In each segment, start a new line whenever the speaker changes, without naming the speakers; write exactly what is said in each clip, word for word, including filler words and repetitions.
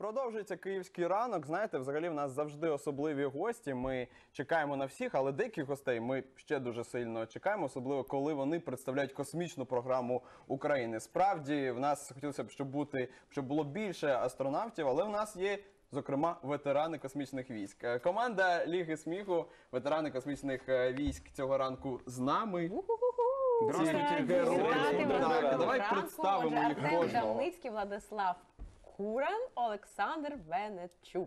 Продовжується київський ранок. Знаєте, взагалі в нас завжди особливі гості. Ми чекаємо на всіх, але деяких гостей ми ще дуже сильно чекаємо, особливо коли вони представляють космічну програму України. Справді, в нас хотілося б, щоб бути, щоб було більше астронавтів, але в нас є, зокрема, ветерани космічних військ. Команда Ліги сміху, ветерани космічних військ цього ранку з нами.
Здравствуйте.
Давай представимо їх
Артем
кожного.
Давницький, Владислав Куран, Олександр Венечук.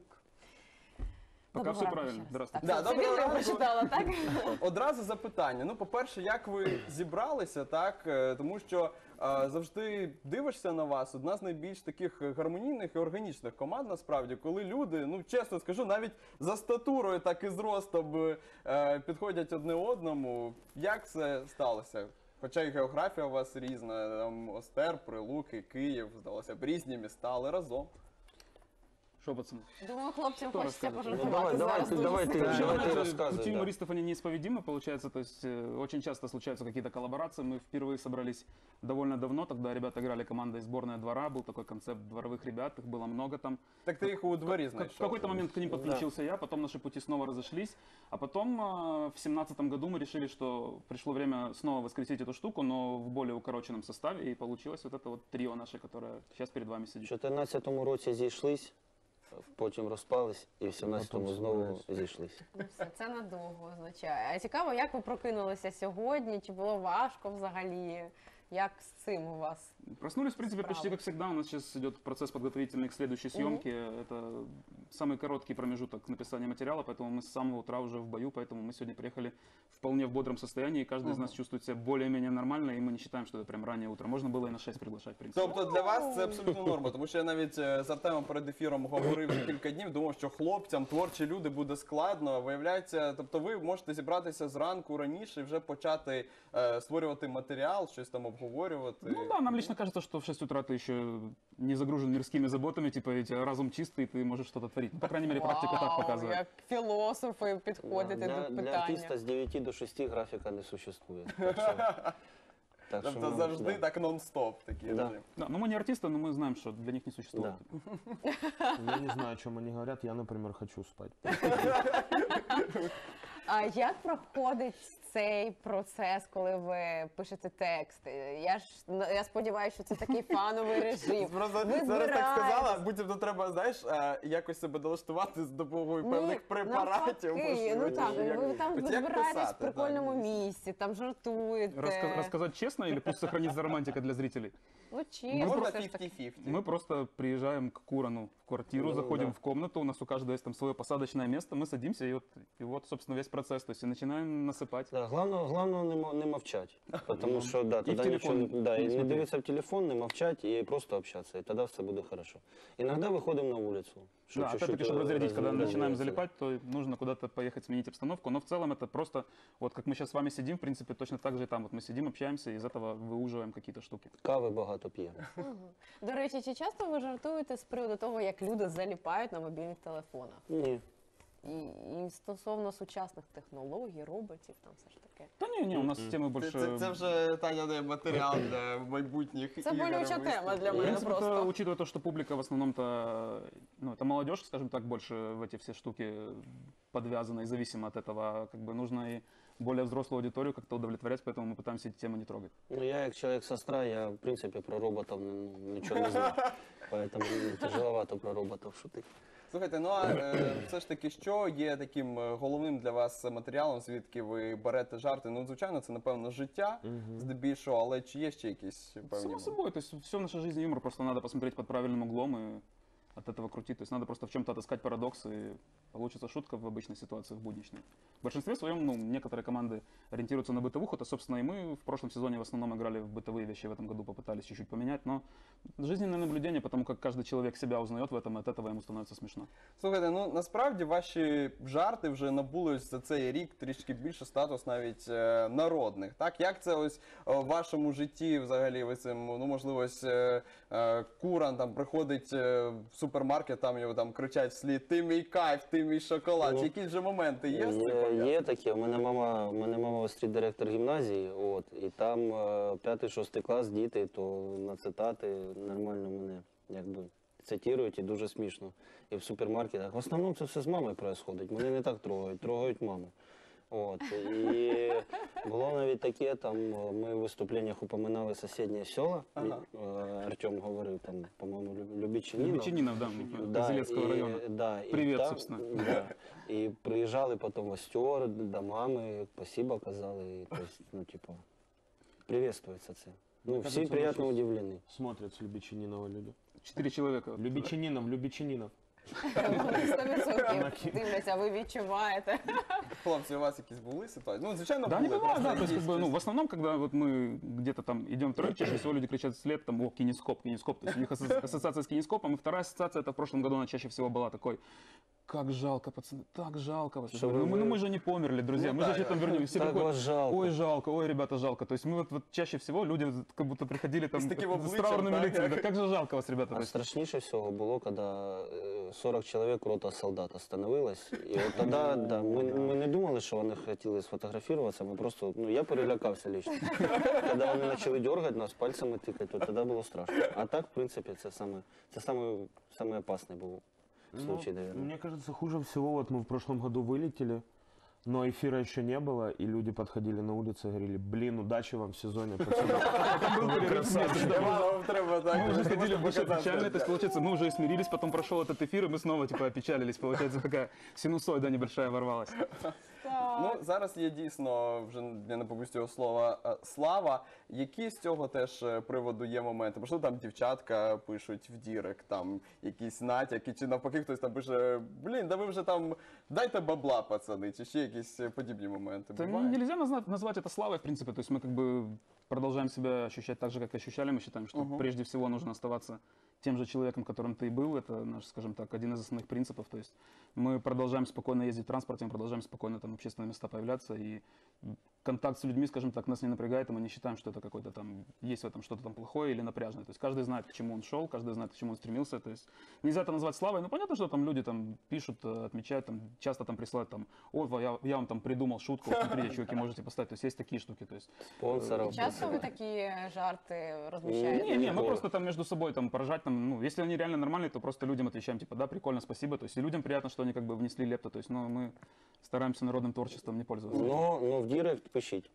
Пока все правильно. Здравствуйте.
Да,
Собі
доброго
не
ранку.
прочитала, так?
Одразу запитання. Ну, по-перше, як ви зібралися, так? Е, Тому що е, завжди дивишся на вас. Одна з найбільш таких гармонійних і органічних команд, насправді, коли люди, ну, чесно скажу, навіть за статурою, так і зростом е, підходять одне одному. Як це сталося? Хоча і географія у вас різна, там Остер, Прилуки, Київ, здалося б, різні міста, але разом.
Что, пацаны?
Думаю, хлопцям
Хто
хочеться
розкаже?
пожартувати
Ну, давай,
зараз.
давай,
дуже
давай ти,
сильно.
давай ты
Знаете,
рассказывай,
пути
да.
юмористов, они неисповедимы, получается, то есть э, очень часто случаются какие-то коллаборации. Мы впервые собрались довольно давно, тогда ребята играли командой «Сборная двора», был такой концепт дворовых ребят, их было много там.
Так ти їх у дворі
Как-
знайшов.
В какой-то момент к ним подключился я, потом наши пути снова разошлись, а потом э, в семнадцатом году мы решили, что пришло время снова воскресить эту штуку, но в более укороченном составе, и получилось вот это вот трио наше, которое сейчас перед вами
В
сидит.
чотирнадцятому році зійшлись, потім розпались і в сімнадцятому знову зійшлись.
Ну, все, це надовго означає. А цікаво, як ви прокинулися сьогодні? Чи було важко взагалі? Як з цим у вас?
Проснулись, в принципе,
Справа.
почти как всегда. У нас сейчас идет процесс подготовительный к следующей съемке. Это самый короткий промежуток написания материала, поэтому мы с самого утра уже в бою, поэтому мы сегодня приехали вполне в бодром состоянии, и каждый из нас чувствует себя более-менее нормально, и мы не считаем, что это прям раннее утро. Можно было и на шесть приглашать, в принципе.
Тобто для вас це абсолютно норма, тому що я навіть е, з Артемом перед ефіром говорив вже кілька днів, думав, що хлопцям, творчі люди буде складно. Виявляється, тобто ви можете зібратися зранку раніше і вже почати е, створювати матеріал, щось там обговорювати.
Ну да, нам лично кажется, что в шесть утра ты еще не загружен мирскими заботами, типа ведь разум чистый, ты можешь что-то творить. Ну, по крайней мере, практика так
Вау,
показывает.
як філософи підходите
Для,
до
для
питання.
артиста з дев'яти до шести графіка не существує. Так що, так що,
Тобто
ну,
завжди
да.
так нон-стоп такий
Да.
режим.
Да, но мы не артисты, но мы знаем, что для них не существует.
Да.
Я не знаю, о чем они говорят. Я, например, хочу спать.
А як проходить цей процес, коли ви пишете тексти? Я ж я сподіваюся, що це такий фановий режим.
Просто
Ви
зараз так сказала,
збираєтесь.
буцімто треба, знаєш, е, якось себе налаштувати з допомогою
Ні,
певних препаратів.
навпаки, ну так,
Як-
ви там
От як
збираєтесь в
писати,
прикольному
так.
місці, там жартуєте.
Раска- рассказать честно или пусть сохранится романтика для зрителей?
Ну, чесно,
Можна
все ж таки.
п'ятдесят-п'ятдесят.
Мы просто приезжаем к Курану в квартиру,
Ну,
заходим
да.
в комнату, у нас у каждого есть там свое посадочное место, мы садимся, и вот, и вот собственно, весь процесс. То есть и начинаем насыпать.
Да, главное, главное не, мо- не мовчать, потому що да,
в
тоді
телефон
нічого, да,
не
і не
смотреть.
дивитися в телефон, не мовчать і просто общатися, і тоді все буде хорошо. Іноді виходимо на вулицю.
Да,
чуть-чуть,
опять-таки, чтобы разрядить,
роз-
когда начинаем
развеяться.
залипать, то нужно куда-то поехать, сменить обстановку. Но в целом это просто, вот как мы сейчас с вами сидим, в принципе, точно так же и там. Вот мы сидим, общаемся, и из этого выуживаем какие-то штуки.
Кави багато п'ємо.
До речі, чи часто ви жартуєте з приводу того, як люди заліпають на мобільних телефонах?
Ні.
І, і стосовно сучасних технологій, роботів, там все ж таке.
Да не, не, у нас темы
Це,
больше...
це, це вже, Таня, не матеріал для майбутніх
Це
ігор,
болюча
виступів.
тема для
В
мене
принципе,
просто.
это, учитывая то, что публика в основном-то, ну, это молодежь, скажем так, больше в эти все штуки подвязана и зависима от этого, как бы нужно и более взрослую аудиторию как-то удовлетворять, поэтому мы пытаемся эти темы не трогать.
Ну, я як чоловік сестра, я в принципі про роботів ну, нічого не знаю. Поэтому мені тяжеловато про роботів шутити.
Слухайте, ну а е, все ж таки, що є таким е, головним для вас матеріалом, звідки ви берете жарти? Ну, звичайно, це, напевно, життя, здебільшого, але чи є ще якісь певні?
Само собой, то есть все в нашей жизни юмор, просто надо посмотреть под правильным углом и от этого крутить. То есть надо просто в чем-то отыскать парадокс, и получится шутка в обычной ситуации, в будничной. В большинстве своем, ну, некоторые команды ориентируются на бытовуху, то, собственно, и мы в прошлом сезоне в основном играли в бытовые вещи, в этом году попытались чуть-чуть поменять, но жизненное наблюдение, потому как каждый человек себя узнает в этом, и от этого ему становится смешно.
Слухайте, ну насправді ваші жарти вже набули ось за цей рік трішки більше статус навіть е, народних. Так, як це ось е, в вашому житті взагалі ви цим, ну можливо, ось е, е, Куран там приходить е, в супермаркет, там його там кричать вслід: "Ти мій кайф, ти мій шоколад".
Ну,
Чи якісь же моменти є з цим
Є,
пов'язані?
є такі. У мене мама, у мене мама остріт-директор гімназії, от, і там е, п'ятий-шостий клас, діти, то на цитати нормально мене якби цитують і дуже смішно. І в супермаркетах. В основному це все з мамою відбувається. Мене не так трогають, трогають маму. От. І було навіть таке, там ми в виступленнях упоминали сусідні села.
Ага.
Е, Артем говорив, там, по-моєму, Любічинінов.
Любичининов, да,
Да,
Козелецкого
и-
района.
Да, и
Привет,
там,
собственно.
Да, и приезжали потом гостер до мамы, спасибо казали, и, то есть, ну, типа, приветствуется це. Ну,
Кажется,
все
мы
приятно
щас-
удивлены.
Смотрят с Любичининова люди.
Четыре человека.
Любичининов, Любичининов.
сто відсотків дивляться, ви відчуваєте.
Хлопці, у вас якісь були ситуації? Ну, звичайно,
Да, не
були.
бывает,
просто
да, то есть, как
якісь
бы, ну, в основном, когда вот мы где-то там идем трое, чаще всего люди кричат вслед, там, о, кинескоп, кинескоп, то есть у них асо- ассоциация с кинескопом, и вторая ассоциация, это в прошлом году она чаще всего была такой, как жалко, пацаны, так жалко вас. Я
Что
говорю,
вы-
ну, мы, ну, мы же не померли, друзья,
Ну
мы же
да,
еще там
да.
вернемся. Все
Так
приходят,
вас жалко.
ой, жалко, ой, ребята, жалко. То есть мы вот, вот чаще всего люди вот как будто приходили там
С таким
с
обличием,
траурными
да,
лицами,
как-
да как же жалко вас, ребята. То
А
есть,
страшніше всього було, коли е, сорок чоловік рота солдат остановилось. І от тоді, да, ми, ми не думали, що вони хотіли сфотографуватися, ми просто, ну, я перелякався лично. Коли вони почали дергати нас, пальцями тикати, то тоді було страшно. А так, в принципі, це саме, це саме, саме опасний був случай,
Ну,
наверное.
мне кажется, хуже всего, вот мы в прошлом году вылетели, но эфира еще не было, и люди подходили на улице и говорили, блин, удачи вам в сезоне, пацаны. Вы красавчики.
Вам треба так.
мы уже
можна
ходили больше
показати.
печально, то есть, получается, мы уже и смирились, потом прошел этот эфир, и мы снова, типа, опечалились, получается, такая синусоида небольшая ворвалась.
Ну, зараз є дійсно, вже я не побоюсь цього слова, е, слава. Які з цього теж е, приводу є моменти? Можливо, там дівчатка пишуть в дірек, там якісь натяки, чи навпаки хтось там пише, блін, да ви вже там, дайте бабла, пацани, чи ще якісь е, подібні моменти.
Это
Буває?
нельзя назна- назвать это славой, в принципе. То есть мы как бы продолжаем себя ощущать так же, как ощущали. Мы считаем, что
Мгм.
прежде всего нужно оставаться тем же человеком, которым ты и был. Это наш, скажем так, один из основных принципов. То есть мы продолжаем спокойно ездить в транспорте, мы продолжаем спокойно там в общественные места появляться. И контакт с людьми, скажем так, нас не напрягает, и мы не считаем, что это какой-то там, есть в этом что-то там плохое или напряжное. То есть каждый знает, к чему он шел, каждый знает, к чему он стремился. То есть нельзя это назвать славой. Ну, понятно, что там люди там пишут, э, отмечают, там, часто там присылают там, ой, я, я вам там придумал шутку, вот смотрите, чуваки, можете поставить. То есть есть такие штуки. То есть
Спонсоров.
Часто ви такі жарти розміщаєте?
Не, не, мы
Никакого.
просто там между собой там поражать, там, ну, если они реально нормальные, то просто людям отвечаем, типа, да, прикольно, спасибо. То есть и людям приятно, что они как бы внесли лепту. То есть, ну, мы стараемся народным творчеством не пользоваться.
Ну, ну, в директ пишіть.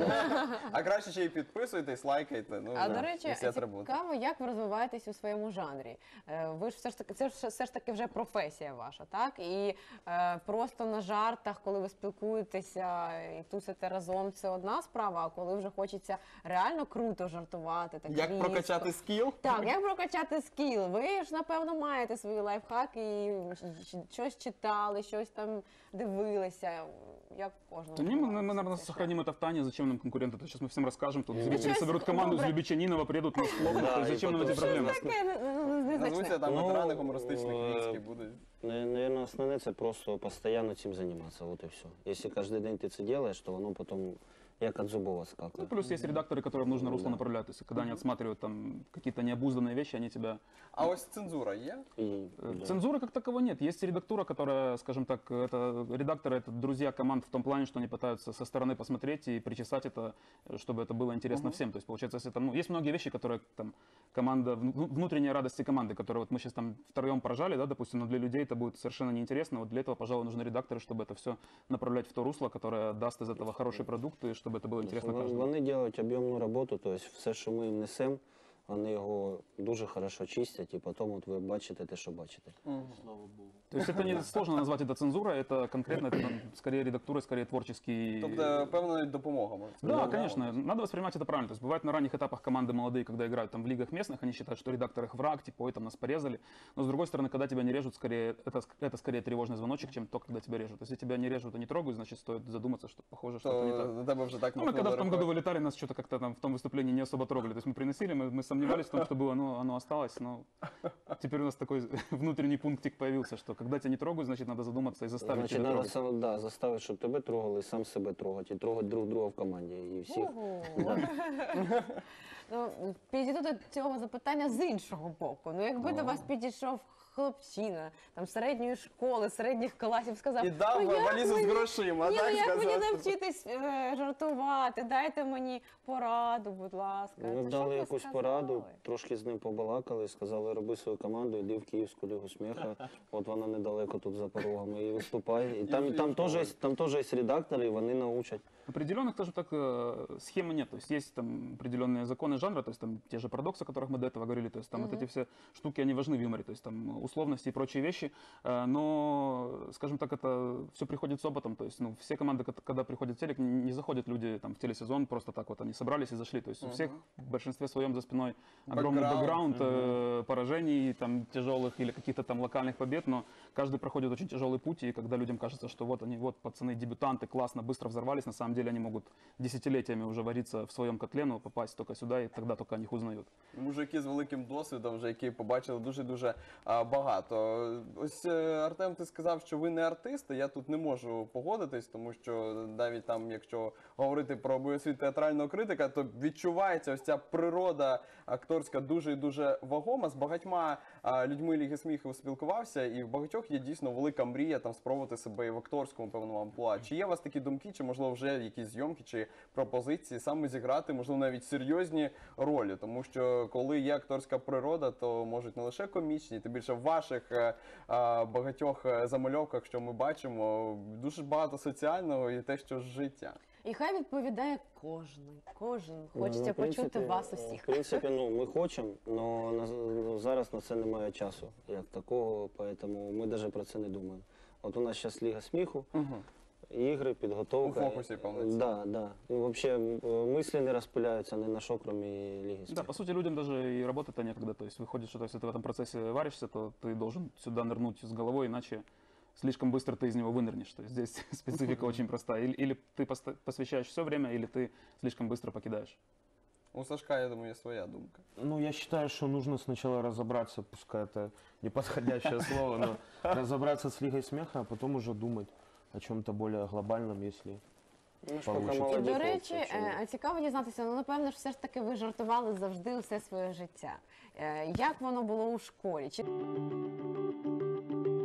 А краще ще й підписуйтесь, лайкайте. Ну,
А
да,
до речі,
всі атрибути.
цікаво, як ви розвиваєтесь у своєму жанрі. Е, Ви ж все ж таки, це ж все ж таки вже професія ваша, так? І е, просто на жартах, коли ви спілкуєтеся і тусите разом, це одна справа. А коли вже хочеться реально круто жартувати, так
Як
різко.
прокачати скіл?
Так, як прокачати скіл? Ви ж напевно маєте свої лайфхаки, і ч- щось читали, щось там дивилися. Як кожного?
Да не, мы, мы, наверное, сохраним это в тайне, зачем нам конкуренты? То есть сейчас мы всем расскажем, тут зрители
Ничего
соберут
себе,
команду
добре.
из Любичанинова, приедут нас хлопнут,
Да,
то есть
и
зачем нам
потом
эти
все
проблемы?
нас-
Таке не- не-
Назвуться
незначне.
там
Ну,
ветерани гумористичних
е,
військ і будуть.
Наверное, основне це просто постійно цим займатися, от і все. Якщо кожен день ти це робиш, то воно потім як від зубова
Ну,
скакує.
плюс есть редакторы, которые в нужное русло
Да.
направляют. То есть, когда они отсматривают там какие-то необузданные вещи, они тебя...
А ось цензура є?
І,
Э,
да.
Цензуры как таковой нет. Есть редактура, которая, скажем так, это редакторы, это друзья команд в том плане, что они пытаются со стороны посмотреть и причесать это, чтобы это было интересно
Мгм.
всем. То есть, получается, если там, ну, есть многие вещи, которые там команда, вну- внутренняя радости команды, которые вот мы сейчас там втроем поражали, да, допустим, но для людей это будет совершенно неинтересно. Вот для этого, пожалуй, нужны редакторы, чтобы это все направлять в то русло, которое даст из этого хороший продукт, и чтобы это было интересно
Вон-
каждому.
Вони роблять об'ємну роботу, тобто все, що ми їм несемо, вони його дуже хорошо чистять, і потім от ви бачите те, що бачите.
То есть это не сложно назвать это цензурой, это конкретно, это ну, скорее редактура, скорее творческий...
Тобто, певно, навіть допомога може.
Да, конечно, надо воспринимать это правильно. То есть бывает на ранних этапах команды молодые, когда играют там в лигах местных, они считают, что редактор их враг, типа, ой, там нас порезали. Но с другой стороны, когда тебя не режут, скорее это, это скорее тревожный звоночек, чем то, когда тебя режут. Если тебя не режут и не трогают, значит, стоит задуматься, что похоже, что-то не
То
так.
на тебе вже так
Ну, мы
махнули
когда в том
рукою.
году вылетали, нас что-то как-то там в том выступлении не особо трогали. То есть мы приносили, мы, мы сомневались в том, что было, но оно осталось. Но теперь у нас такой внутренний пунктик появился, что когда тебя не трогают, значит, надо задуматься и заставить
Значить,
тебя
треба
трогать.
сам, да, заставити, щоб тебе трогали, і сам себе трогати, і трогати друг друга в команді. І всіх.
Ого. Ну, підійду до цього запитання з іншого боку. Ну, якби до вас підійшов хлопчина там середньої школи, середніх класів, сказав,
І дав
ну, як
валізу з
мені-
грошима,
Ні,
так
ну, як мені
сказати?
навчитись е, жартувати, дайте мені пораду, будь ласка.
Ми
То що б
дали
ви
якусь
сказали?
пораду, трошки з ним побалакали, сказали, роби свою команду, йди в Київську лігу сміха. От вона недалеко тут за порогами, і виступай. І там,
І
там, теж, є-
виступай.
там теж є редактори, і вони научать.
Определенных тоже так э, схемы нет. То есть есть там определенные законы жанра, то есть там те же парадоксы, о которых мы до этого говорили, то есть там вот эти все штуки, они важны в юморе, то есть там условности и прочие вещи. Э, но, скажем так, это все приходит с опытом. То есть, ну, все команды, кот- когда приходят в телек, не заходят люди там в телесезон просто так вот, они собрались и зашли. То есть у всех в большинстве своем за спиной огромный
Бэкграунд.
бэкграунд э, поражений там тяжелых или каких-то там локальных побед, но каждый проходит очень тяжелый путь, и когда людям кажется, что вот они, вот пацаны, дебютанты, классно, быстро взорвались, на самом деле они могут десятилетиями уже вариться в своем котле, но попасть только сюда, и тогда только о них узнают.
Мужики з великим досвідом, вже які побачили дуже-дуже а, багато. Ось е, Артем, ти сказав, що ви не артисти. Я тут не можу погодитись, тому що навіть там, якщо говорити про обов'язковість театрального критика, то відчувається ось ця природа акторська дуже і дуже вагома. З багатьма а, людьми Ліги сміху спілкувався, і в багатьох є дійсно велика мрія там спробувати себе і в акторському певному амплуа. Чи є у вас такі думки, чи можливо вже якісь зйомки чи пропозиції саме зіграти, можливо, навіть серйозні ролі, тому що коли є акторська природа, то можуть не лише комічні, тим більше в ваших е, е, багатьох е, замальовках, що ми бачимо, дуже багато соціального і те, що з життя.
І хай відповідає кожен, кожен.
Ну,
Хочеться
в принципі,
почути вас усіх.
В принципі, ну, ми хочемо, але зараз на це немає часу, як такого, тому ми навіть про це не думаємо. От у нас зараз Ліга сміху, ігри, підготовка.
У фокусі повністю.
Да, да. І взагалі мислі не розпиляються ні на що, крім Ліги
Да,
сміху.
по сути, людям даже и работать-то некогда. То есть выходит, что если ты в этом процессе варишься, то ты должен сюда нырнуть с головой, иначе слишком быстро ты из него вынырнешь. То есть здесь специфика очень простая. Или, или ты поста- посвящаешь все время, или ты слишком быстро покидаешь.
У Сашка, я думаю, є своя думка.
Ну, я считаю, что нужно сначала разобраться, пускай это неподходящее слово, но разобраться с Лигой смеха, а потом уже думать о чем-то более глобальном, если...
Ну, ж
Получиться.
поки
І,
молоді
до
хлопці,
речі,
чому?
е, цікаво дізнатися, ну, напевно ж все ж таки ви жартували завжди усе своє життя. Е, Як воно було у школі? Чи